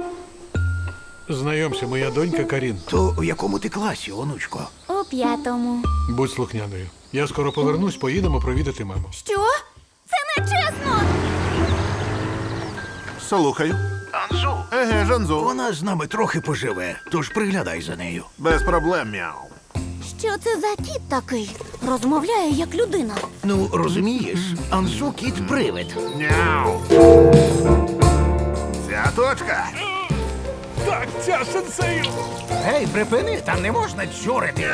Знайомся, моя донька Карін. То у якому ти класі, онучко? У 5-му. Будь слухняною. Я скоро повернусь, поїдемо провідати маму. Що? Це не чесно! Слухаю. Анзу. Еге, Жанзу. Вона з нами трохи поживе, тож приглядай за нею. Без проблем, мяу. Що це за кіт такий? Розмовляє як людина. Ну, розумієш, Анзу кіт-привид. Мяу. Ця точка. Так, ця сенсею! Гей, припини, там не можна чурити.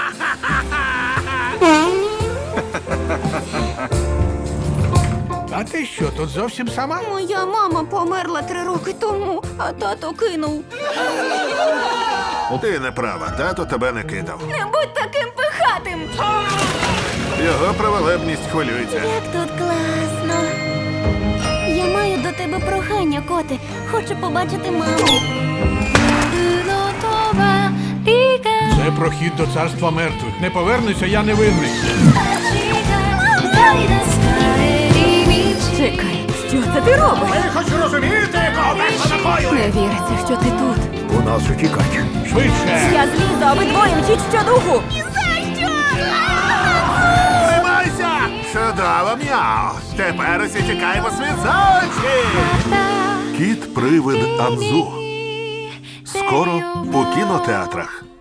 А ти що, тут зовсім сама? Моя мама померла 3 роки тому, а тато кинув. Ти не права, тато тебе не кидав. Не будь таким пихатим! Його праволебність хвилюється. Як тут класно. Я маю до тебе прохання, коти. Хочу побачити маму. Це прохід до царства мертвих. Не повернуся, я не винний. Чекай, що це ти робиш? Ви хоч розумієте, кого вийшло такою? Не віриться, що ти тут. У нас утікач. Швидше! Я злізу, а ви двоє мчіть щодуху. Тримайся! Чудово, мяу. Тепер усі тікаємо світ за очі. Кіт-привид Анзу. Скоро у кінотеатрах.